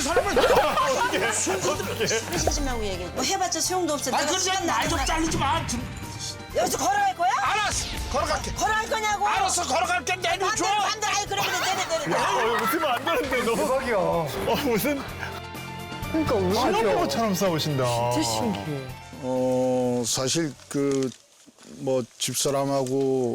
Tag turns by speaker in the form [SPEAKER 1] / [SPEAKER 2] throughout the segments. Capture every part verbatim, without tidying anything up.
[SPEAKER 1] 사람을 어떻게
[SPEAKER 2] 하지 말고 얘기해. 뭐 해봤자 소용도 없어.
[SPEAKER 1] 아
[SPEAKER 2] 내가
[SPEAKER 1] 그래
[SPEAKER 2] 시간
[SPEAKER 1] 날좀
[SPEAKER 2] 나는
[SPEAKER 1] 잘리지 마 좀.
[SPEAKER 2] 여기서 걸어갈 거야?
[SPEAKER 1] 알았어 걸어갈게
[SPEAKER 2] 걸어갈 거냐고?
[SPEAKER 1] 알았어 걸어갈게 내려줘
[SPEAKER 2] 반대로 반대로. 아이 그래 그래 내려 내려. 내려.
[SPEAKER 3] 어, 이거 웃으면 안 되는데 너무 대박이야. 어, 무슨
[SPEAKER 4] 그러니까 왜
[SPEAKER 3] 신혼부부처럼 싸우신다.
[SPEAKER 4] 진짜 신기해.
[SPEAKER 5] 어 사실 그 뭐 집사람하고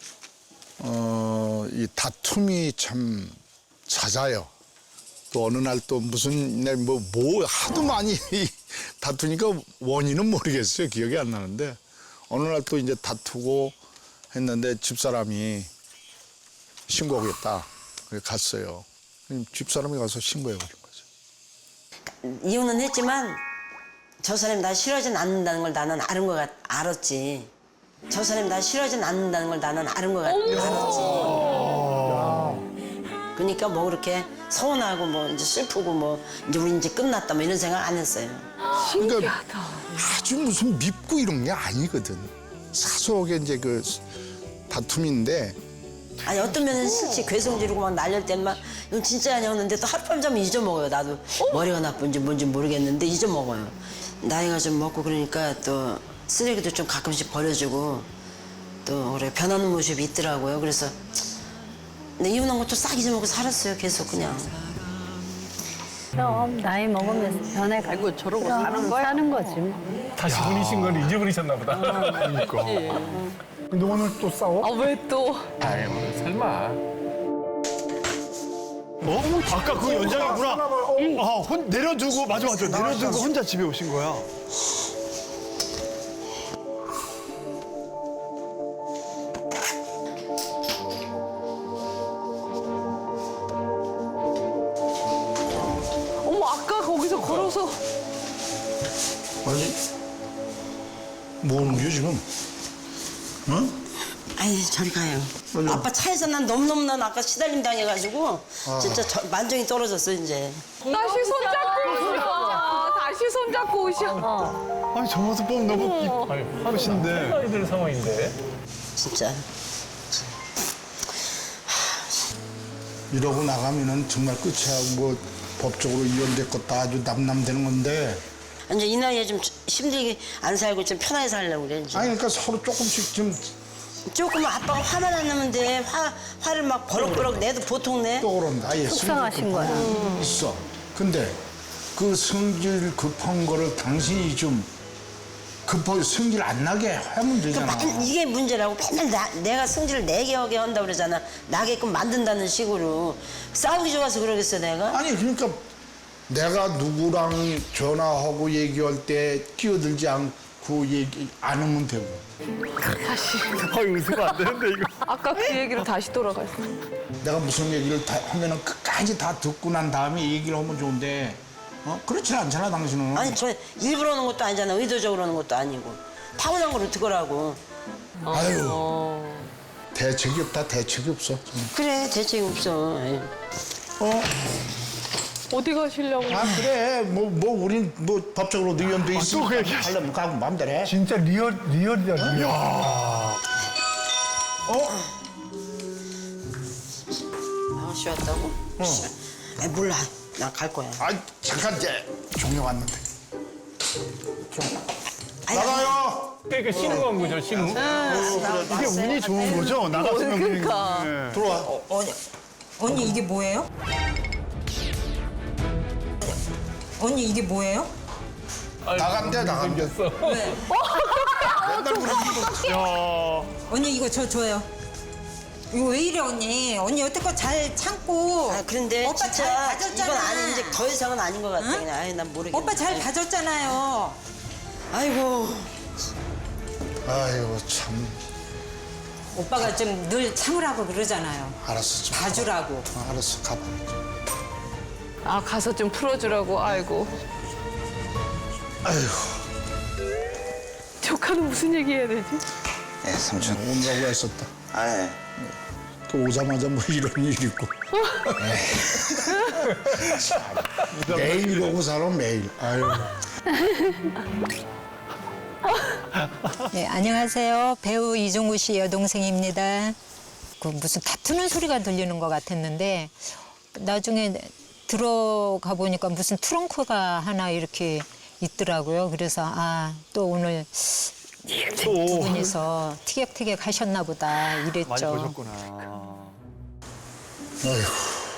[SPEAKER 5] 어 이 다툼이 참 잦아요. 또 어느 날 또 무슨 날뭐 뭐 하도 많이 다투니까 원인은 모르겠어요. 기억이 안 나는데 어느 날 또 이제 다투고 했는데 집사람이 신고하겠다. 그래 갔어요. 집사람이 가서 신고해 버린 거죠.
[SPEAKER 2] 이혼은 했지만 저 사람이 나 싫어하진 않는다는 걸 나는 아는 거 같, 알았지. 저 사람이 나 싫어하진 않는다는 걸 나는 아는 거 같, 알았지. 그러니까 뭐 그렇게 서운하고 뭐 이제 슬프고 뭐 이제 우리 이제 끝났다 뭐 이런 생각 안 했어요.
[SPEAKER 5] 그러니까 아주 무슨 밉고 이런 게 아니거든. 사소하게 이제 그 다툼인데
[SPEAKER 2] 아니 어떤 면은 싫지. 괴성 지르고 막 날릴 때만 이건 진짜 아니었는데 또 하룻밤 자면 잊어먹어요. 나도 머리가 나쁜지 뭔지 모르겠는데 잊어먹어요. 나이가 좀 먹고 그러니까 또 쓰레기도 좀 가끔씩 버려주고 또 그래 변하는 모습이 있더라고요. 그래서 근데 이혼한 것도 싹 잊어먹고 살았어요. 계속 그냥.
[SPEAKER 6] 그럼 나이 먹으면서 변해가고
[SPEAKER 4] 아이고 저러고
[SPEAKER 6] 그럼
[SPEAKER 4] 사는 거야?
[SPEAKER 6] 사는 거지 뭐.
[SPEAKER 3] 다시 분이신 걸 잊어버리셨나 보다.
[SPEAKER 4] 그러니까.
[SPEAKER 3] 근데 오늘 또 싸워?
[SPEAKER 4] 아 왜 또?
[SPEAKER 3] 아이 설마. 어? 아까 그 연장이구나. 아, 혼, 내려두고 맞아 맞아. 내려두고 혼자 집에 오신 거야.
[SPEAKER 4] 어머 아까 거기서 걸어서
[SPEAKER 5] 아니 뭐 하는 거야 지금? 어?
[SPEAKER 2] 아이 저리 가요. 아빠 차에서 난 너무너무 난 아까 시달림 당해가지고 진짜 저, 만정이 떨어졌어 이제.
[SPEAKER 4] 다시 손잡고 오셔. 다시 손잡고 오셔.
[SPEAKER 3] 아니 저 모습 보면 너무 이쁘신데. 아이들 상황인데.
[SPEAKER 2] 진짜.
[SPEAKER 5] 이러고 나가면은 정말 끝이야. 뭐 법적으로 이혼됐고 다 아주 남남되는 건데.
[SPEAKER 2] 이제 이 나이에 좀 힘들게 안 살고 좀 편하게 살려고 그래 이제.
[SPEAKER 5] 아니 그러니까 서로 조금씩 좀 또
[SPEAKER 2] 조금 아빠가 화만 안 나는데 화, 화를 막 버럭버럭 내도 보통 내.
[SPEAKER 5] 그런다. 아예
[SPEAKER 6] 속상하신 거야.
[SPEAKER 5] 있어. 근데 그 성질 급한 거를 당신이 좀 급하게 성질 안 나게 하면
[SPEAKER 2] 그
[SPEAKER 5] 되잖아.
[SPEAKER 2] 만- 이게 문제라고 맨날 나, 내가 성질을 내게 하게 한다 그러잖아. 나게끔 만든다는 식으로. 싸우기 좋아서 그러겠어 내가?
[SPEAKER 5] 아니 그러니까 내가 누구랑 전화하고 얘기할 때 끼어들지 않고 얘기 안 하면 되고.
[SPEAKER 4] 다시.
[SPEAKER 3] 아이 웃으면 안 되는데 이거.
[SPEAKER 4] 아까 그 얘기로 다시 돌아갔어.
[SPEAKER 5] 내가 무슨 얘기를 다 하면은 끝까지 다 듣고 난 다음에 얘기를 하면 좋은데 어? 그렇지 않잖아 당신은.
[SPEAKER 2] 아니 저 일부러 하는 것도 아니잖아. 의도적으로 하는 것도 아니고. 타고난 걸 어떡하라고.
[SPEAKER 5] 아유 대책이 없다 대책이 없어. 정말.
[SPEAKER 2] 그래 대책이 없어. 에이.
[SPEAKER 5] 어?
[SPEAKER 4] 어디 가시려고?
[SPEAKER 5] 아 그래 뭐 뭐 우린 뭐 법적으로 의견돼
[SPEAKER 3] 또
[SPEAKER 5] 있으니까
[SPEAKER 3] 그 얘기 하시-
[SPEAKER 5] 하려면 가고 마음대로 해.
[SPEAKER 3] 진짜 리얼 리얼이다 리얼. 야.
[SPEAKER 2] 아가씨 왔다고? 어. 아 몰라. 나 갈 거야.
[SPEAKER 5] 아 잠깐 이제 종료 왔는데.
[SPEAKER 2] 아니,
[SPEAKER 5] 나가요.
[SPEAKER 3] 그러니까 신우한 거죠 신우. 이게 운이 좋은 거죠 나갔으면
[SPEAKER 4] 그러니까.
[SPEAKER 3] 그냥. 예.
[SPEAKER 5] 들어와.
[SPEAKER 7] 언니, 언니 이게 뭐예요? 언니 이게 뭐예요?
[SPEAKER 5] 나간대 나간대.
[SPEAKER 7] 왜?
[SPEAKER 5] 맨날 그러는
[SPEAKER 3] 야.
[SPEAKER 7] 언니 이거 저 줘요. 이거 왜 이래 언니? 언니 여태껏 잘 참고.
[SPEAKER 2] 아 그런데
[SPEAKER 7] 오빠 잘
[SPEAKER 2] 진짜
[SPEAKER 7] 봐줬잖아.
[SPEAKER 2] 이건 아니 이제 더 이상은 아닌 것 같아.
[SPEAKER 7] 응?
[SPEAKER 2] 그냥 아이 난 모르겠네.
[SPEAKER 7] 오빠 잘 봐줬잖아요.
[SPEAKER 2] 아이고.
[SPEAKER 5] 아이고 참.
[SPEAKER 7] 오빠가 좀 늘 참으라고 그러잖아요.
[SPEAKER 5] 알았어. 좀
[SPEAKER 7] 봐주라고.
[SPEAKER 5] 가봐. 어, 알았어 가봐.
[SPEAKER 4] 아 가서 좀 풀어주라고. 아이고.
[SPEAKER 5] 아이고.
[SPEAKER 4] 조카는 무슨 얘기 해야 되지?
[SPEAKER 8] 예, 삼촌.
[SPEAKER 5] 온다고 했었다.
[SPEAKER 8] 아, 예.
[SPEAKER 5] 또 오자마자 뭐 이런 일 있고. 참, 매일 이러고 살아 매일. 아유.
[SPEAKER 7] 네, 안녕하세요. 배우 이종구 씨 여동생입니다. 그 무슨 다투는 소리가 들리는 것 같았는데 나중에 들어가 보니까 무슨 트렁크가 하나 이렇게 있더라고요. 그래서 아, 또 오늘 두 분이서 티격태격 하셨나 보다
[SPEAKER 3] 많이
[SPEAKER 7] 이랬죠.
[SPEAKER 3] 보셨구나.
[SPEAKER 5] 아이고.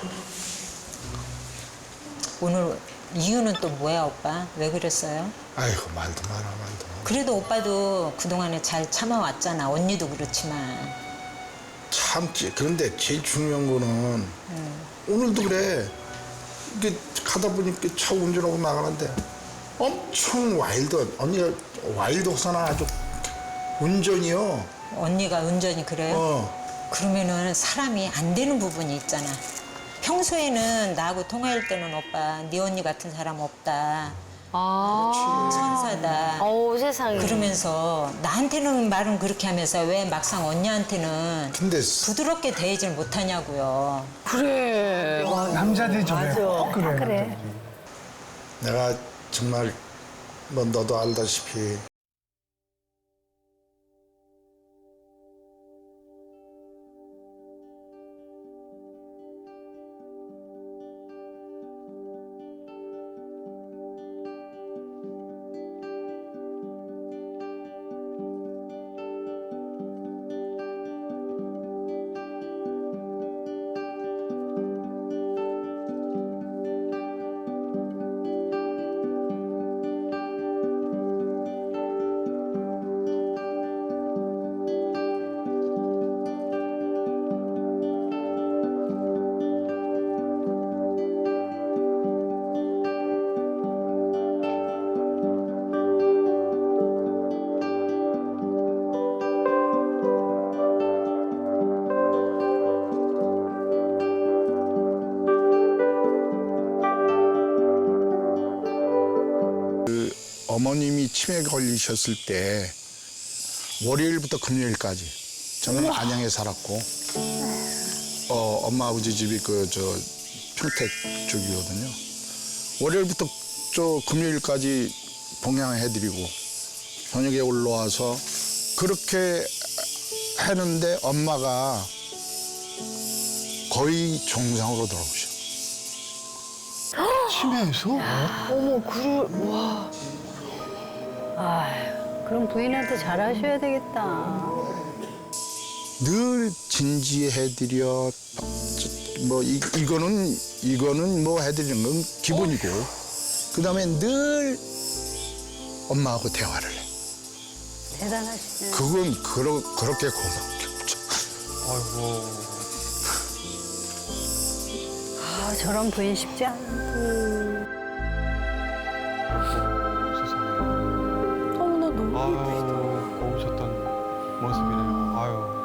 [SPEAKER 7] 오늘 이유는 또 뭐야, 오빠? 왜 그랬어요?
[SPEAKER 5] 아이고 말도 마라 말도 마라.
[SPEAKER 7] 그래도 오빠도 그동안에 잘 참아왔잖아. 언니도 그렇지만.
[SPEAKER 5] 참지. 그런데 제일 중요한 거는 오늘도 그래. 이게 가다 보니까 차 운전하고 나가는데 엄청 와일드. 언니가 와일드 호사나 아주 운전이요.
[SPEAKER 7] 언니가 운전이 그래요?
[SPEAKER 5] 어.
[SPEAKER 7] 그러면은 사람이 안 되는 부분이 있잖아. 평소에는 나하고 통화할 때는 오빠, 네 언니 같은 사람 없다.
[SPEAKER 4] 아.
[SPEAKER 7] 천사다.
[SPEAKER 6] 어우, 세상에.
[SPEAKER 7] 그러면서 나한테는 말은 그렇게 하면서 왜 막상 언니한테는
[SPEAKER 5] 근데
[SPEAKER 7] 부드럽게 대하질 못하냐고요.
[SPEAKER 4] 그래.
[SPEAKER 3] 남자들이 저래. 꼭 그래.
[SPEAKER 6] 그래.
[SPEAKER 5] 내가 정말 뭐 너도 알다시피 어머님이 치매에 걸리셨을 때 월요일부터 금요일까지 저는 안양에 살았고 어, 엄마 아버지 집이 그 저 평택 쪽이거든요. 월요일부터 저 금요일까지 봉양해드리고 저녁에 올라와서 그렇게 했는데 엄마가 거의 정상으로 돌아오셔.
[SPEAKER 3] 치매에서?
[SPEAKER 6] 어머, 그를, 와. 아휴, 그럼 부인한테 잘하셔야 되겠다.
[SPEAKER 5] 늘 진지해드려 뭐 이, 이거는 이거는 뭐 해드리는 건 기본이고 그 다음에 늘 엄마하고 대화를 해.
[SPEAKER 6] 대단하시네.
[SPEAKER 5] 그건 그러, 그렇게 고마운 게 없죠.
[SPEAKER 3] 아이고.
[SPEAKER 6] 아, 저런 부인 쉽지 않은데.
[SPEAKER 3] 세상에.
[SPEAKER 4] 어머나 너무
[SPEAKER 3] 아유, 고우셨던 모습이네요. 아유.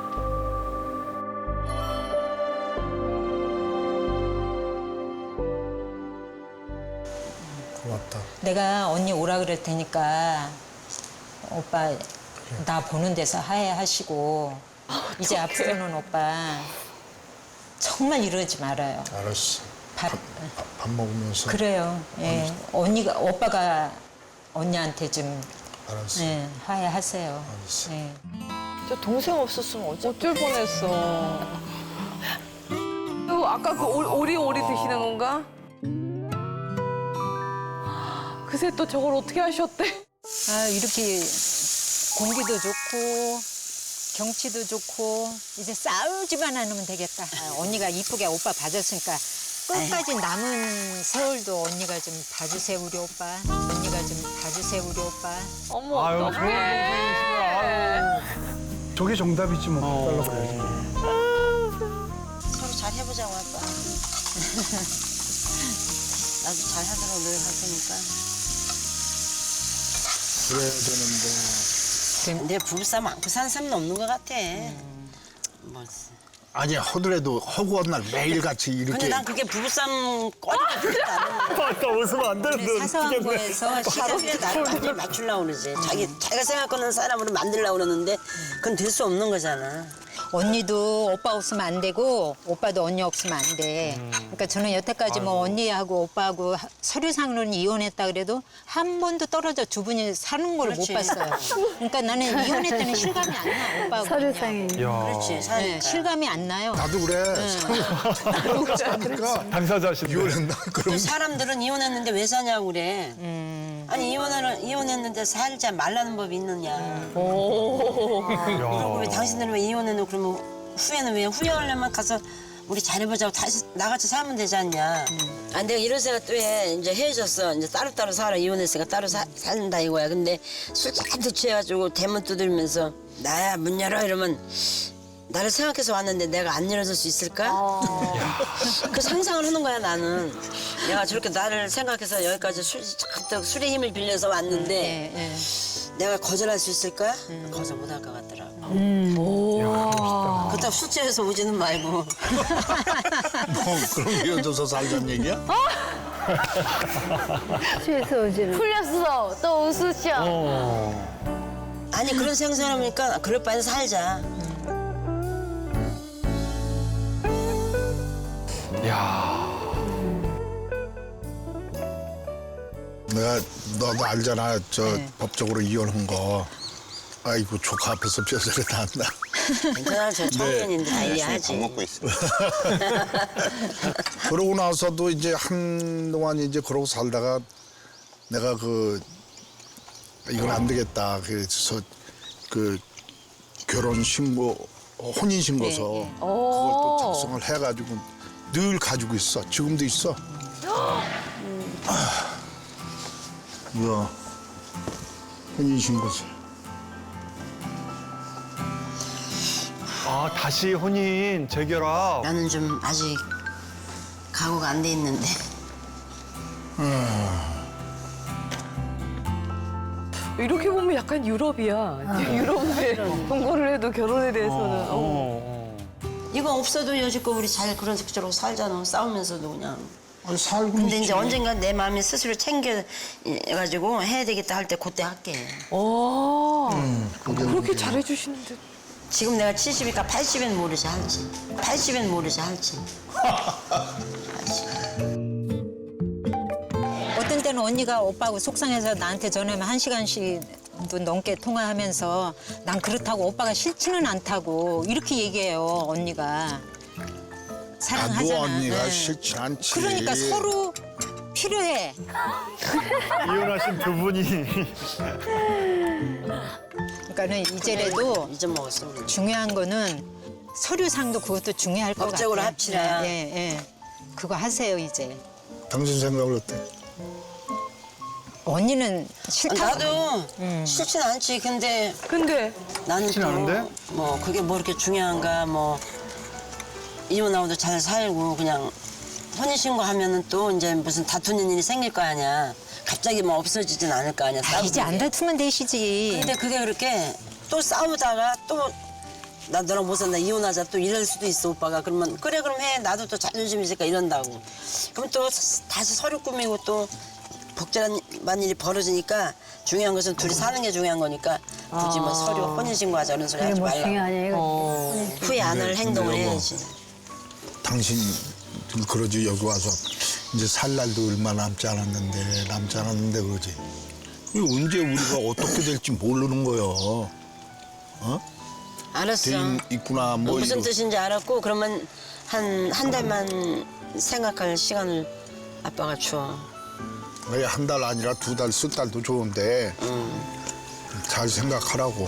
[SPEAKER 5] 고맙다.
[SPEAKER 7] 내가 언니 오라 그럴 테니까 오빠 나 보는 데서 하해하시고 이제 앞으로는 오빠 정말 이러지 말아요.
[SPEAKER 5] 알았어.
[SPEAKER 7] 밥,
[SPEAKER 5] 밥, 밥 먹으면서.
[SPEAKER 7] 그래요. 예. 언니가 오빠가 언니한테 좀
[SPEAKER 5] 알았어.
[SPEAKER 7] 예, 화해하세요.
[SPEAKER 5] 알았어.
[SPEAKER 7] 예.
[SPEAKER 4] 저 동생 없었으면 어쩔 뻔했어. 또 아까 그 오- 오리오리 드시는 건가? 그새 또 저걸 어떻게 하셨대?
[SPEAKER 7] 아, 이렇게 공기도 좋고 경치도 좋고 이제 싸우지만 않으면 되겠다. 아, 언니가 이쁘게 오빠 봐줬으니까 끝까지 남은 세월도 언니가 좀 봐주세요 우리 오빠. 언니가 좀 봐주세요 우리 오빠.
[SPEAKER 4] 어머,
[SPEAKER 3] 아유,
[SPEAKER 4] 어떡해.
[SPEAKER 3] 좋은 동생이시구나. 아유. 저게 정답이지 뭐. 달라고 그래야지.
[SPEAKER 2] 서로 잘 해보자고 아빠. 나도 잘 하도록 노력할 테니까.
[SPEAKER 5] 그래야 되는데.
[SPEAKER 2] 내 부부싸움 안고 사는 사람은 없는 것 같아. 뭐.
[SPEAKER 5] 아니 하더라도 허구한 날 매일같이 이렇게.
[SPEAKER 2] 근데 난 그게 부부싸움 꺼리가 그렇다.
[SPEAKER 3] 아까 웃으면 안 되는데.
[SPEAKER 7] 사소한 거에서
[SPEAKER 2] 시간에 나를 완전히 맞추려고 그러지. 자기, 자기가 생각하는 사람으로 만들려고 그러는데 그건 될 수 없는 거잖아.
[SPEAKER 7] 언니도 오빠 없으면 안 되고 오빠도 언니 없으면 안 돼. 그러니까 저는 여태까지 뭐 언니하고 오빠하고 하- 서류상으로는 이혼했다 그래도 한 번도 떨어져 두 분이 사는 걸 못
[SPEAKER 2] 그렇지.
[SPEAKER 7] 봤어요. 그러니까 나는 이혼했다는 실감이 안 나. 오빠하고.
[SPEAKER 6] 서류상에.
[SPEAKER 2] 그렇지,
[SPEAKER 7] 네,
[SPEAKER 2] 사니까.
[SPEAKER 7] 실감이 안 나요.
[SPEAKER 5] 나도 그래. 사니까
[SPEAKER 3] 당사자시네.
[SPEAKER 5] 이혼했나? 그럼
[SPEAKER 2] 사람들은 이혼했는데 왜 사냐고 그래.
[SPEAKER 7] 음.
[SPEAKER 2] 아니 이혼을 이혼했는데 살자 말라는 법이 있느냐. 그리고 왜 당신들은 왜 이혼했노? 그러면 후회는 왜 후회하려면 가서 우리 잘해보자고 다시 나같이 살면 되지 않냐. 아 내가 이런 생각 또 해. 이제 헤어졌어. 이제 따로따로 살아. 이혼했으니까 따로 사, 산다 이거야. 근데 술 잔뜩 취해가지고 대문 두드리면서 나야 문 열어 이러면 나를 생각해서 왔는데 내가 안 열어줄 수 있을까? 그 상상을 하는 거야 나는. 내가 저렇게 나를 생각해서 여기까지 술, 잔뜩 술의 힘을 빌려서 왔는데
[SPEAKER 7] 네, 네.
[SPEAKER 2] 내가 거절할 수 있을까? 거절 못할 것 같더라고. 그렇다고 술 취해서 오지는 말고.
[SPEAKER 5] 뭐 그럼 헤어져서 살자는 얘기야?
[SPEAKER 6] 취해서 오지는.
[SPEAKER 4] 풀렸어. 또 웃으셔.
[SPEAKER 2] 아니 그런 생각하니까 그럴 바엔 살자.
[SPEAKER 5] 내가 너도 알잖아. 저 법적으로 이혼한 거. 아이고 조카 앞에서 뼈저리 나온다.
[SPEAKER 2] 괜찮아 저 청년인데 다 이해하지.
[SPEAKER 1] 먹고 있어.
[SPEAKER 5] 그러고 나서도 이제 한동안 이제 그러고 살다가 내가 그 이건 안 되겠다. 그래서 그 결혼 신고 혼인 신고서 그걸 또 작성을 해가지고 늘 가지고 있어. 지금도 있어. 아, 뭐야 혼인 신고서.
[SPEAKER 3] 아, 다시 혼인 재결합.
[SPEAKER 2] 나는 좀 아직 각오가 안 돼 있는데.
[SPEAKER 4] 이렇게 보면 약간 유럽이야. 유럽에 동거를 해도 결혼에 대해서는. 어.
[SPEAKER 2] 이거 없어도 여지껏 우리 잘 그런 식으로 살잖아. 싸우면서도 그냥.
[SPEAKER 5] 아니, 살고
[SPEAKER 2] 근데
[SPEAKER 5] 있지.
[SPEAKER 2] 이제 언젠가 내 마음이 스스로 챙겨가지고 해야 되겠다 할 때 그때 할게.
[SPEAKER 4] 어.
[SPEAKER 5] 그게
[SPEAKER 4] 그렇게
[SPEAKER 5] 문제야.
[SPEAKER 4] 잘해주시는데.
[SPEAKER 2] 지금 내가 칠십이니까 팔십엔 모르지 할지. 팔십엔 모르지 할지.
[SPEAKER 7] 어떤 때는 언니가 오빠하고 속상해서 나한테 전화하면 한 시간씩도 넘게 통화하면서 난 그렇다고 오빠가 싫지는 않다고 이렇게 얘기해요 언니가. 사랑하잖아.
[SPEAKER 5] 나도 언니가
[SPEAKER 7] 네.
[SPEAKER 5] 싫지 않지.
[SPEAKER 7] 그러니까 서로 필요해.
[SPEAKER 3] 이혼하신 두 분이.
[SPEAKER 7] 그러니까는 이제라도
[SPEAKER 2] 잊어먹었어. 우리.
[SPEAKER 7] 중요한 거는 서류상도 그것도 중요할 것 같아요.
[SPEAKER 2] 법적으로 합치라.
[SPEAKER 7] 예, 예. 그거 하세요 이제.
[SPEAKER 5] 당신 생각은 어때?
[SPEAKER 7] 언니는 싫다고.
[SPEAKER 2] 나도 싫진 않지. 근데
[SPEAKER 4] 근데
[SPEAKER 2] 나는
[SPEAKER 3] 싫진 않은데?
[SPEAKER 2] 또 뭐 그게 뭐 이렇게 중요한가 뭐 이혼하고도 잘 살고 그냥 혼인신고 하면은 또 이제 무슨 다투는 일이 생길 거 아니야. 갑자기 뭐 없어지진 않을 거 아니야.
[SPEAKER 7] 아, 이제 안
[SPEAKER 2] 싸우는 게.
[SPEAKER 7] 다투면 되시지.
[SPEAKER 2] 근데 그게 그렇게 또 싸우다가 또 나 너랑 못 산다 이혼하자 또 이럴 수도 있어 오빠가. 그러면 그래 그럼 해. 나도 또 자존심 있으니까 이런다고. 그럼 또 다시 서류 꾸미고 또 복잡한 일이 벌어지니까 중요한 것은 둘이 사는 게 중요한 거니까 굳이 뭐 서류 혼인신고하자 이런 소리
[SPEAKER 6] 그게
[SPEAKER 2] 하지
[SPEAKER 6] 뭐
[SPEAKER 2] 말라.
[SPEAKER 6] 중요하냐 이거.
[SPEAKER 2] 후회 안 할 행동을
[SPEAKER 5] 근데요, 뭐.
[SPEAKER 2] 해야지.
[SPEAKER 5] 당신 그러지 여기 와서 이제 살 날도 얼마 남지 않았는데 남지 않았는데 그러지. 이게 언제 우리가 어떻게 될지 모르는 거요. 어?
[SPEAKER 2] 알았어.
[SPEAKER 5] 대인 있구나 뭐
[SPEAKER 2] 무슨
[SPEAKER 5] 이거.
[SPEAKER 2] 뜻인지 알았고 그러면 한 한 달만 생각할 시간을 아빠가 줘.
[SPEAKER 5] 한 달 아니라 두 달, 석 달도 좋은데 잘 생각하라고.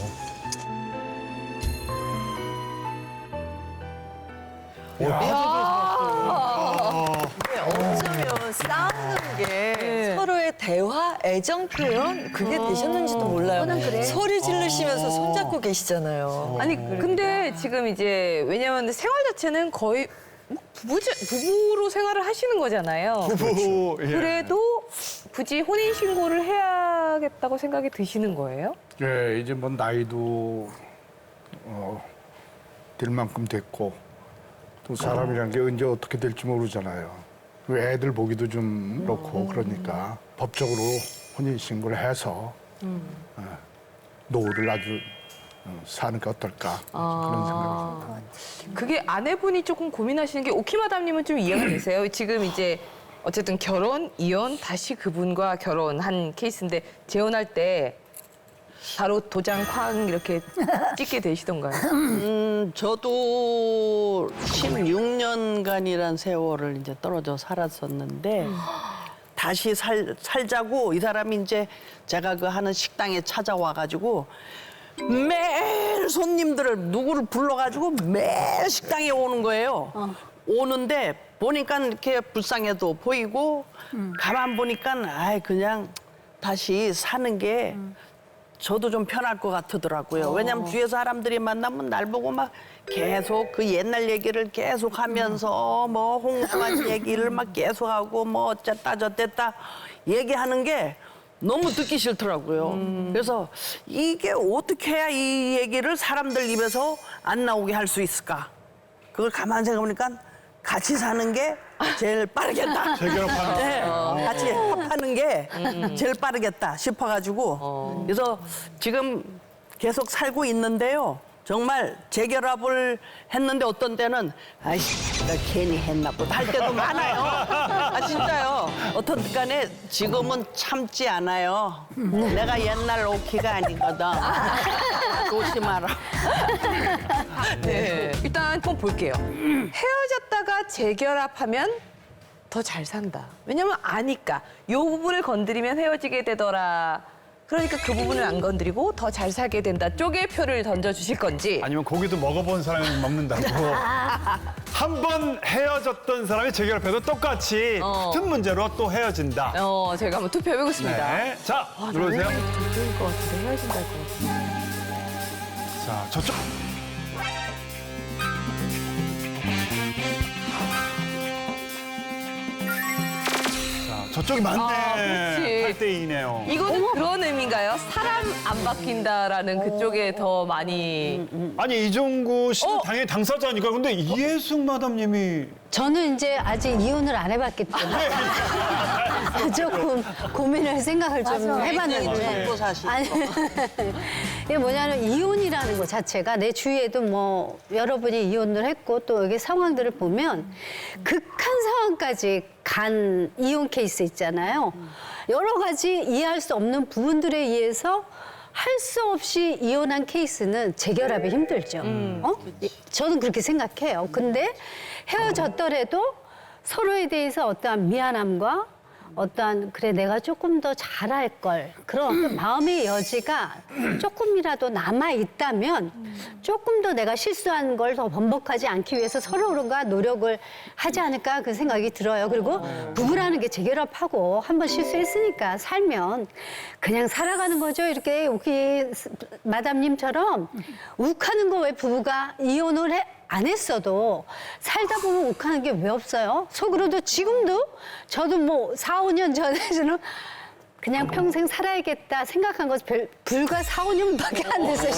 [SPEAKER 8] 어쩌면 싸우는 게 서로의 대화, 애정 표현 그게 되셨는지도 몰라요. 소리 지르시면서 손잡고 계시잖아요.
[SPEAKER 4] 아니 근데 지금 이제 왜냐면 생활 자체는 거의 뭐 부부제, 부부로 생활을 하시는 거잖아요.
[SPEAKER 3] 부부. 예.
[SPEAKER 4] 그래도 굳이 혼인 신고를 해야겠다고 생각이 드시는 거예요?
[SPEAKER 5] 예, 이제 뭐 나이도 어, 될 만큼 됐고 또 사람이란 게 언제 어떻게 될지 모르잖아요. 그 애들 보기도 좀 그렇고 그러니까 법적으로 혼인 신고를 해서 어, 노후를 아주 어, 사는 게 어떨까
[SPEAKER 4] 아.
[SPEAKER 5] 그런 생각이 듭니다.
[SPEAKER 4] 그게 아내분이 조금 고민하시는 게 오키마담님은 좀 이해가 되세요? 지금 이제 어쨌든 결혼, 이혼, 다시 그분과 결혼한 케이스인데 재혼할 때 바로 도장 쾅 이렇게 찍게 되시던가요?
[SPEAKER 9] 음, 저도 십육 년간이란 세월을 이제 떨어져 살았었는데 다시 살, 살자고 이 사람이 이제 제가 그 하는 식당에 찾아와가지고 매일 손님들을 누구를 불러가지고 매일 식당에 오는 거예요. 오는데 보니까 이렇게 불쌍해도 보이고 가만 보니까 아이 그냥 다시 사는 게 저도 좀 편할 것 같더라고요. 왜냐면 주위에 사람들이 만나면 날 보고 막 계속 그 옛날 얘기를 계속 하면서 뭐 홍수한 얘기를 막 계속 하고 뭐 어쨌다 저쨌다 얘기하는 게 너무 듣기 싫더라고요. 그래서 이게 어떻게 해야 이 얘기를 사람들 입에서 안 나오게 할 수 있을까? 그걸 가만히 생각해보니까 같이 사는 게 제일 빠르겠다.
[SPEAKER 3] 재결합하는 거.
[SPEAKER 9] 네, 같이 합하는 게 제일 빠르겠다 싶어가지고 그래서 지금 계속 살고 있는데요. 정말 재결합을 했는데 어떤 때는 아이씨 나 괜히 했나 보다 할 때도 많아요. 아 진짜요. 어떤 간에 지금은 참지 않아요. 내가 옛날 오키가 아니거든. 조심하라.
[SPEAKER 4] 네. 일단 한번 볼게요. 헤어졌다가 재결합하면 더 잘 산다. 왜냐면 아니까. 요 부분을 건드리면 헤어지게 되더라. 그러니까 그 부분을 안 건드리고 더 잘 살게 된다 쪽에 표를 던져주실 건지.
[SPEAKER 3] 아니면 고기도 먹어본 사람이 먹는다고. 한 번 헤어졌던 사람이 재결합해도 똑같이
[SPEAKER 4] 어.
[SPEAKER 3] 같은 문제로 또 헤어진다.
[SPEAKER 4] 어, 제가 한번 투표해보겠습니다.
[SPEAKER 3] 네. 자,
[SPEAKER 4] 아,
[SPEAKER 3] 눌러주세요.
[SPEAKER 4] 나 왠지 저쪽일 것 같은데 헤어진다 할 것 같은데.
[SPEAKER 3] 자, 저쪽. 자, 저쪽이
[SPEAKER 4] 아,
[SPEAKER 3] 많네.
[SPEAKER 4] 그렇지.
[SPEAKER 3] 팔 대 이네요.
[SPEAKER 4] 이거는 그런 의미인가요? 사람 안 바뀐다라는 그쪽에 더 많이.
[SPEAKER 3] 아니, 이종구 씨는
[SPEAKER 4] 어?
[SPEAKER 3] 당연히 당사자니까. 근데 이혜숙 마담님이
[SPEAKER 6] 저는 이제 아직 이혼을 안 해봤기 때문에 조금 고민을 생각을 좀 해봤는데
[SPEAKER 9] 먹고 사시고.
[SPEAKER 6] 아니 이게 뭐냐면 이혼이라는 것 자체가 내 주위에도 뭐 여러분이 이혼을 했고 또 여기 상황들을 보면 극한 상황까지 간 이혼 케이스 있잖아요. 여러 가지 이해할 수 없는 부분들에 의해서 할 수 없이 이혼한 케이스는 재결합이 힘들죠. 어? 저는 그렇게 생각해요. 근데 헤어졌더라도 서로에 대해서 어떠한 미안함과 어떠한 그래 내가 조금 더 잘할 걸 그런 어떤 마음의 여지가 조금이라도 남아 있다면 조금 더 내가 실수한 걸 더 번복하지 않기 위해서 서로가 노력을 하지 않을까 그 생각이 들어요. 그리고 부부라는 게 재결합하고 한 번 실수했으니까 살면 그냥 살아가는 거죠. 이렇게 여기 마담님처럼 욱하는 거 왜 부부가 이혼을 해? 안 했어도 살다 보면 욱하는 게 왜 없어요? 속으로도 지금도 저도 뭐 사, 오 년 전에는 그냥 평생 살아야겠다 생각한 거 별, 불과 사, 오 년밖에 안 됐어요.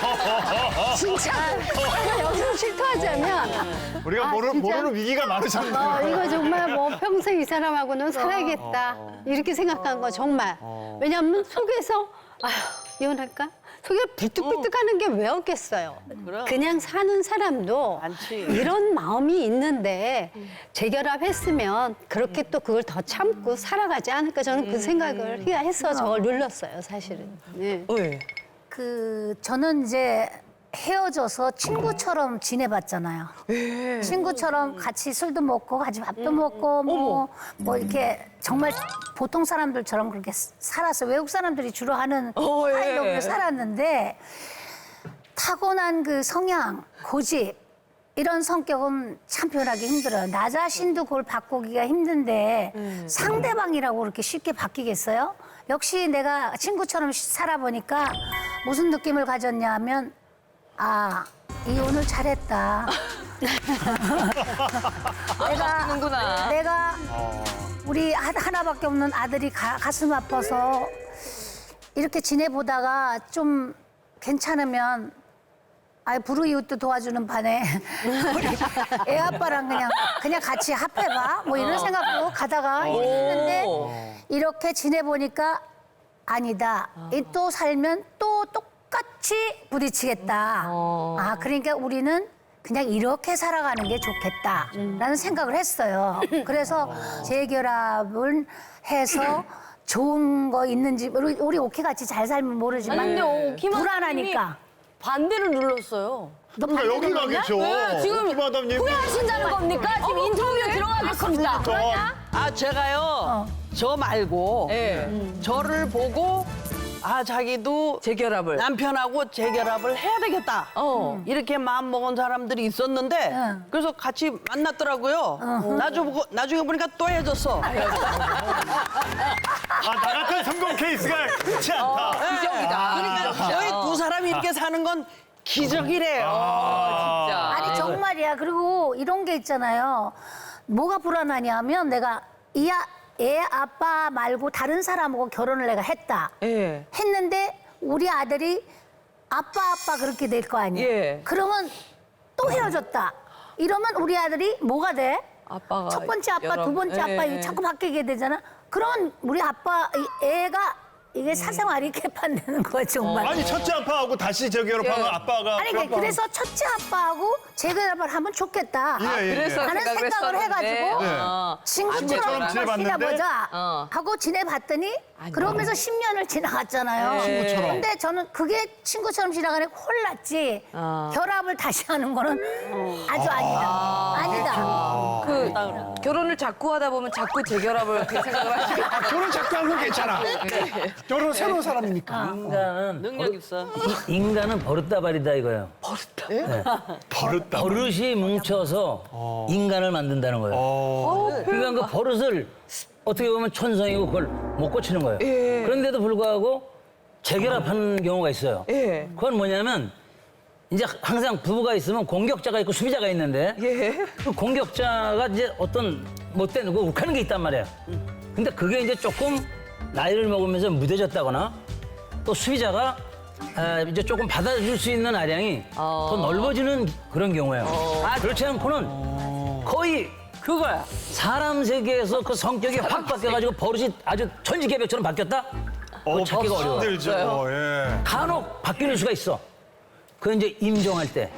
[SPEAKER 6] 진짜 여기서 실토하자면
[SPEAKER 3] 우리가
[SPEAKER 6] 아,
[SPEAKER 3] 모르,
[SPEAKER 6] 진짜?
[SPEAKER 3] 모르는 위기가 많으셨네요.
[SPEAKER 6] 어, 이거 정말 뭐 평생 이 사람하고는 살아야겠다 이렇게 생각한 거 정말. 왜냐하면 속에서 아휴 이혼할까? 속에 불뚝불뚝하는 게 왜 없겠어요. 그냥 사는 사람도
[SPEAKER 9] 많지.
[SPEAKER 6] 이런 마음이 있는데 재결합했으면 그렇게 또 그걸 더 참고 살아가지 않을까 저는 그 생각을 해서 저걸 눌렀어요 사실은. 네.
[SPEAKER 4] 네.
[SPEAKER 10] 그 저는 이제 헤어져서 친구처럼 지내봤잖아요. 친구처럼 같이 술도 먹고 같이 밥도 먹고 뭐, 뭐 이렇게 정말 보통 사람들처럼 그렇게 살았어. 외국 사람들이 주로 하는
[SPEAKER 4] 어, 예.
[SPEAKER 10] 스타일로 살았는데 타고난 그 성향, 고집 이런 성격은 참 변하기 힘들어요. 나 자신도 그걸 바꾸기가 힘든데 상대방이라고 그렇게 쉽게 바뀌겠어요? 역시 내가 친구처럼 살아보니까 무슨 느낌을 가졌냐 하면 아, 이혼을 잘했다. 내가,
[SPEAKER 4] 하는구나.
[SPEAKER 10] 내가 우리 하- 하나밖에 없는 아들이 가, 가슴 아파서 이렇게 지내보다가 좀 괜찮으면 아이 불우이웃도 도와주는 반에 우리 애 아빠랑 그냥 그냥 같이 합해봐 뭐 이런 생각으로 가다가 했는데 이렇게 지내보니까 아니다. 이 또 살면 또 똑 똑같이 부딪히겠다. 아, 그러니까 우리는 그냥 이렇게 살아가는 게 좋겠다라는 생각을 했어요. 그래서 재결합을 해서 좋은 거 있는지 우리, 우리 오키 같이 잘 살면 모르지만
[SPEAKER 11] 아니, 근데 오키
[SPEAKER 10] 불안하니까.
[SPEAKER 11] 반대를 눌렀어요.
[SPEAKER 10] 너
[SPEAKER 3] 그러니까
[SPEAKER 10] 반대로
[SPEAKER 3] 여기
[SPEAKER 10] 놀냐?
[SPEAKER 3] 가겠죠.
[SPEAKER 11] 네, 지금
[SPEAKER 3] 마담님.
[SPEAKER 11] 후회하신다는 겁니까? 지금 인터뷰에 들어가겠습니다.
[SPEAKER 9] 아 제가요 저 말고 저를 보고 아 자기도
[SPEAKER 4] 재결합을.
[SPEAKER 9] 남편하고 재결합을 해야 되겠다.
[SPEAKER 4] 어.
[SPEAKER 9] 이렇게 마음 먹은 사람들이 있었는데
[SPEAKER 10] 응.
[SPEAKER 9] 그래서 같이 만났더라고요. 나중에, 보고, 나중에 보니까 또 헤어졌어.
[SPEAKER 3] 아, 나 같은 성공 케이스가 흔치 않다.
[SPEAKER 4] 기적이다.
[SPEAKER 9] 그러니까 저희 두 사람이 이렇게 사는 건 기적이래요.
[SPEAKER 4] 진짜.
[SPEAKER 10] 아니 정말이야. 그리고 이런 게 있잖아요. 뭐가 불안하냐면 내가 이 아, 애 아빠 말고 다른 사람하고 결혼을 내가 했다.
[SPEAKER 4] 예.
[SPEAKER 10] 했는데 우리 아들이 아빠 아빠 그렇게 될 거 아니에요.
[SPEAKER 4] 예.
[SPEAKER 10] 그러면 또 헤어졌다. 이러면 우리 아들이 뭐가 돼?
[SPEAKER 4] 아빠가
[SPEAKER 10] 첫 번째 아빠,
[SPEAKER 4] 여러-
[SPEAKER 10] 두 번째
[SPEAKER 4] 예,
[SPEAKER 10] 아빠
[SPEAKER 4] 예.
[SPEAKER 10] 자꾸 바뀌게 되잖아. 그러면 우리 아빠 이 애가 이게 사생활이 개판되는 거야 정말.
[SPEAKER 3] 아니 첫째 아빠하고 다시 재결합하면
[SPEAKER 4] 예.
[SPEAKER 3] 아빠가
[SPEAKER 10] 아니 그- 그래서 첫째 아빠하고 재결합을 하면 좋겠다.
[SPEAKER 3] 예, 예, 예.
[SPEAKER 4] 그래서
[SPEAKER 10] 하는
[SPEAKER 4] 생각을
[SPEAKER 10] 생각을
[SPEAKER 4] 했었는데,
[SPEAKER 10] 해가지고
[SPEAKER 3] 네.
[SPEAKER 4] 어.
[SPEAKER 10] 친구처럼
[SPEAKER 3] 친구처럼
[SPEAKER 10] 한번
[SPEAKER 3] 지내봤는데?
[SPEAKER 10] 지내보자
[SPEAKER 4] 어.
[SPEAKER 10] 하고 지내봤더니 그러면서 십 년을 지나갔잖아요.
[SPEAKER 3] 친구처럼.
[SPEAKER 10] 근데 저는 그게 친구처럼 지나가는 게 홀랐지
[SPEAKER 4] 어.
[SPEAKER 10] 결합을 다시 하는 거는 아주 아니다. 아니다.
[SPEAKER 4] 그 결혼을 자꾸 하다 보면 자꾸 재결합을 그 생각을 하시게
[SPEAKER 1] 아, 결혼 자꾸 하는 건 괜찮아. 결혼 새로운 사람이니까.
[SPEAKER 12] 인간은
[SPEAKER 9] 능력 있어.
[SPEAKER 12] 이- 인간은 버릇다발이다 이거예요.
[SPEAKER 3] 버릇다.
[SPEAKER 12] 버릇이 뭉쳐서 인간을 만든다는 거예요. 그러니까 그 버릇을 어떻게 보면 천성이고 그걸 못 고치는 거예요. 그런데도 불구하고 재결합하는 경우가 있어요.
[SPEAKER 4] 예.
[SPEAKER 12] 그건 뭐냐면 이제 항상 부부가 있으면 공격자가 있고 수비자가 있는데 그 공격자가 이제 어떤 못된 그 욱하는 게 있단 말이에요. 근데 그게 이제 조금 나이를 먹으면서 무뎌졌다거나 또 수비자가 아, 이제 조금 받아줄 수 있는 아량이 더 넓어지는 그런 경우예요. 아, 그렇지 않고는 거의 그거야. 사람 세계에서 그 성격이 확 바뀌어가지고 버릇이 아주 천지개벽처럼 바뀌었다? 그거 찾기가 어려워.
[SPEAKER 3] 힘들죠. 예.
[SPEAKER 12] 간혹 바뀌는 수가 있어. 그건 이제 임종할 때.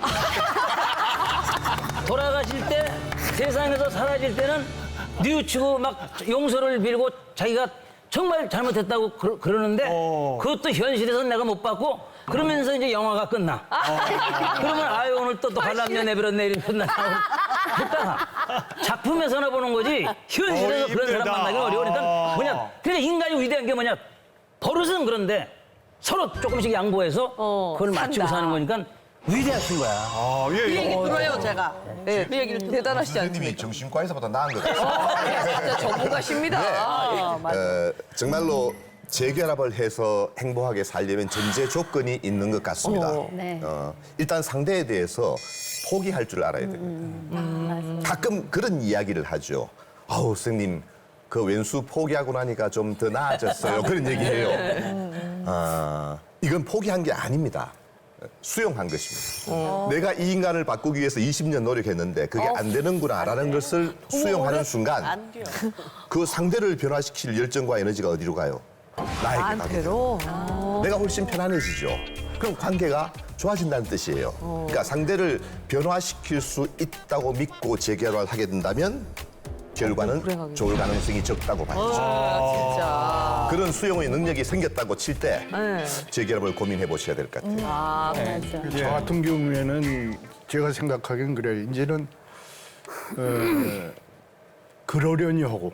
[SPEAKER 12] 돌아가실 때, 세상에서 사라질 때는 뉘우치고 막 용서를 빌고 자기가 정말 잘못했다고 그러, 그러는데
[SPEAKER 3] 어.
[SPEAKER 12] 그것도 현실에서 내가 못 받고 그러면서 이제 영화가 끝나. 그러면 아유 오늘 또 또 관람료 내버렸네 이러면 끝나고 했다가 작품에서나 보는 거지 현실에서
[SPEAKER 3] 어이,
[SPEAKER 12] 그런 사람
[SPEAKER 3] 힘들다.
[SPEAKER 12] 만나기 어려우니까
[SPEAKER 3] 아.
[SPEAKER 12] 뭐냐 그러니까 인간이 위대한 게 뭐냐 버릇은 그런데 서로 조금씩 양보해서
[SPEAKER 4] 어,
[SPEAKER 12] 그걸 맞추고
[SPEAKER 4] 산다.
[SPEAKER 12] 사는 거니까 위대하신 거야.
[SPEAKER 3] 아, 예,
[SPEAKER 9] 그
[SPEAKER 3] 예.
[SPEAKER 9] 얘기 들어요 제가.
[SPEAKER 4] 예.
[SPEAKER 9] 그 얘기를 듣
[SPEAKER 4] 대단하시지 않습니까?
[SPEAKER 1] 선생님이 정신과에서보다 나은 것 같아요.
[SPEAKER 4] 진짜 전문가십니다. 아, 맞아.
[SPEAKER 13] 어, 정말로 재결합을 해서 행복하게 살려면 전제 조건이 있는 것 같습니다.
[SPEAKER 6] 네.
[SPEAKER 13] 어, 일단 상대에 대해서 포기할 줄 알아야 됩니다.
[SPEAKER 6] 음.
[SPEAKER 13] 가끔 그런 이야기를 하죠. 아우 선생님 그 왼수 포기하고 나니까 좀 더 나아졌어요. 그런 얘기해요. 아, 이건 포기한 게 아닙니다. 수용한 것입니다. 내가 이 인간을 바꾸기 위해서 이십 년 노력했는데 그게 안 되는구나라는 것을 수용하는 순간
[SPEAKER 9] 안 돼요.
[SPEAKER 13] 그 상대를 변화시킬 열정과 에너지가 어디로 가요? 나에게 가게 돼요.
[SPEAKER 4] 나한테로.
[SPEAKER 13] 내가 훨씬 편안해지죠. 그럼 관계가 좋아진다는 뜻이에요. 그러니까 상대를 변화시킬 수 있다고 믿고 재결합을 하게 된다면 결과는 좋을 가능성이 적다고 봐야죠.
[SPEAKER 4] 진짜.
[SPEAKER 13] 그런 수용의 능력이 생겼다고 칠 때
[SPEAKER 4] 네.
[SPEAKER 13] 재결합을 고민해 보셔야 될 것 같아요.
[SPEAKER 4] 아,
[SPEAKER 5] 저 같은 경우에는 제가 생각하기엔 그래요. 이제는 어, 그러려니 하고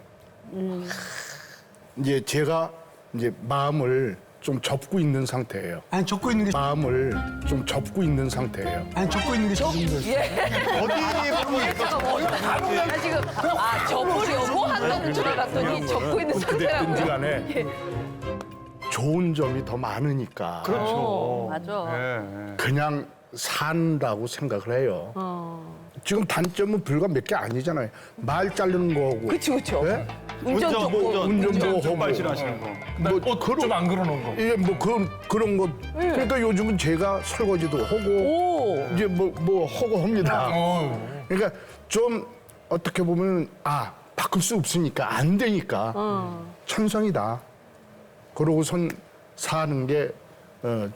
[SPEAKER 5] 이제 제가 이제 마음을 좀 접고 있는 상태예요.
[SPEAKER 1] 아니, 접고 있는 게,
[SPEAKER 5] 마음을 좀 접고 있는 상태예요.
[SPEAKER 1] 아니, 접고 있는 게 좋은 거지.
[SPEAKER 3] 어디 보면
[SPEAKER 4] 나 지금 아 접으려고 한다는 줄 알았더니 접고 있는
[SPEAKER 5] 그랬든지
[SPEAKER 4] 상태라고요.
[SPEAKER 5] 간에 좋은 점이 더 많으니까
[SPEAKER 3] 그렇죠.
[SPEAKER 9] 맞아.
[SPEAKER 3] 예,
[SPEAKER 5] 그냥 산다고 생각을 해요. 지금 단점은 불과 몇 개 아니잖아요. 말 자르는 거하고.
[SPEAKER 4] 그치 그쵸.
[SPEAKER 5] 네?
[SPEAKER 4] 운전
[SPEAKER 3] 운전,
[SPEAKER 4] 접고.
[SPEAKER 3] 운전,
[SPEAKER 5] 운전
[SPEAKER 3] 운전
[SPEAKER 5] 뭐
[SPEAKER 3] 좀
[SPEAKER 5] 하고.
[SPEAKER 3] 발신하시는 거.
[SPEAKER 5] 뭐 그런
[SPEAKER 1] 좀안 그러는 거.
[SPEAKER 5] 예, 뭐 그런 그런 것. 그러니까 요즘은 제가 설거지도 하고
[SPEAKER 4] 오.
[SPEAKER 5] 이제 뭐 뭐 하고 합니다. 그러니까 좀 어떻게 보면 아 바꿀 수 없으니까 안 되니까 천성이다. 그러고선 사는 게 어,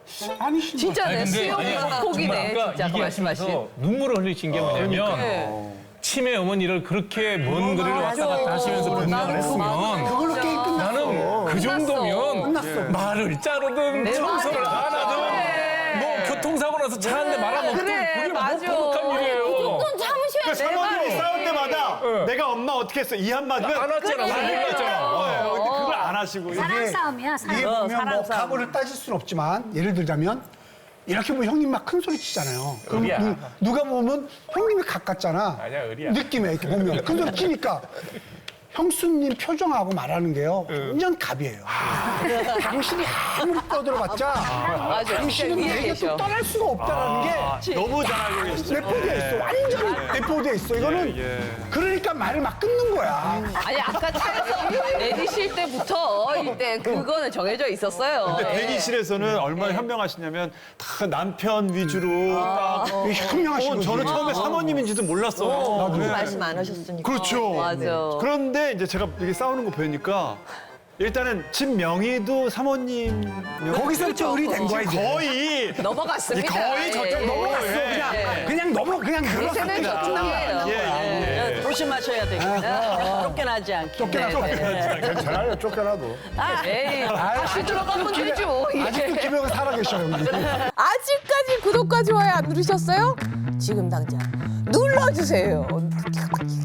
[SPEAKER 1] 아니신
[SPEAKER 4] 진짜네.
[SPEAKER 14] 아니, 근데
[SPEAKER 4] 수영
[SPEAKER 14] 아니,
[SPEAKER 4] 폭이네.
[SPEAKER 14] 정말 아까
[SPEAKER 4] 진짜 그 말씀하신.
[SPEAKER 14] 얘기하시면서 눈물을 흘리신 게 뭐냐면
[SPEAKER 4] 네.
[SPEAKER 14] 치매 어머니를 그렇게 먼 거리를 왔다 갔다 하시면서 분장을 했으면
[SPEAKER 1] 그걸로 게임 끝났어.
[SPEAKER 14] 나는 그 정도면
[SPEAKER 1] 끝났어.
[SPEAKER 14] 말을 자르든 청소를 안 하든 뭐 교통사고 나서 차 한 대 말아먹든
[SPEAKER 4] 그래,
[SPEAKER 14] 그게 뭐
[SPEAKER 4] 맞아.
[SPEAKER 14] 거룩한 일이에요.
[SPEAKER 11] 좀 참으셔야
[SPEAKER 3] 그
[SPEAKER 11] 돼요.
[SPEAKER 3] 사모님이 싸울 때마다 내가 엄마 어떻게 했어 이 한마디면
[SPEAKER 14] 안 왔잖아. 우리 몰랐잖아.
[SPEAKER 3] 어, 근데 그걸 안 하시고
[SPEAKER 10] 사랑 싸움이야, 사랑.
[SPEAKER 1] 이게
[SPEAKER 4] 어,
[SPEAKER 1] 보면
[SPEAKER 4] 사랑
[SPEAKER 1] 뭐
[SPEAKER 4] 싸움.
[SPEAKER 1] 각오를 따질 수는 없지만 예를 들자면 이렇게 보면 형님 막 큰 소리 치잖아요. 그럼
[SPEAKER 14] 의리야.
[SPEAKER 1] 누, 누가 보면 형님이 가깝잖아.
[SPEAKER 14] 아니야, 의리야.
[SPEAKER 1] 느낌에 이렇게 보면 큰 소리 치니까 형수님 표정하고 말하는 게요 완전 갑이에요. 당신이 아무리 떠들어봤자
[SPEAKER 4] 맞아.
[SPEAKER 1] 당신은
[SPEAKER 4] 진짜 위에
[SPEAKER 1] 내게
[SPEAKER 4] 계셔.
[SPEAKER 1] 또 떠날 수가 없다라는 게
[SPEAKER 3] 너무 잘 알고 계시죠.
[SPEAKER 1] 내포되어 있어. 완전히 내포되어 있어. 이거는
[SPEAKER 3] 예.
[SPEAKER 1] 그러니까 말을 막 끊는 거야.
[SPEAKER 4] 아니 아까 차에서 내리실 때부터 이때 그거는 정해져 있었어요.
[SPEAKER 3] 근데 대기실에서는 얼마나 현명하시냐면 다 남편 위주로 딱
[SPEAKER 1] 현명하신
[SPEAKER 3] 어,
[SPEAKER 1] 거지.
[SPEAKER 3] 저는 처음에 사모님인지도 몰랐어요.
[SPEAKER 8] 나도
[SPEAKER 3] 네.
[SPEAKER 8] 말씀 안 하셨으니까.
[SPEAKER 3] 그렇죠.
[SPEAKER 4] 맞아.
[SPEAKER 3] 그런데 이제 제가 이렇게 싸우는 거 보니까 일단은 집 명의도 사모님
[SPEAKER 1] 거기서부터 의리 된 거야 이제.
[SPEAKER 3] 거의
[SPEAKER 4] 넘어갔습니다.
[SPEAKER 3] 거의 저쪽
[SPEAKER 4] 예.
[SPEAKER 3] 넘어갔어.
[SPEAKER 1] 넘어갔어. 그냥
[SPEAKER 4] 예.
[SPEAKER 1] 그냥 넘어 그냥
[SPEAKER 4] 대세는
[SPEAKER 1] 늘어섰다.
[SPEAKER 4] 저쪽이에요.
[SPEAKER 3] 예, 예, 예.
[SPEAKER 9] 조심하셔야 되겠다. 쫓겨나지 않게.
[SPEAKER 5] 괜찮아요, 쫓겨나도.
[SPEAKER 4] 에이, 다시 들어가면 되죠.
[SPEAKER 1] 아직도 김영은 살아계셔 형님.
[SPEAKER 4] 아직까지 구독과 좋아요 안 누르셨어요? 지금 당장 눌러주세요.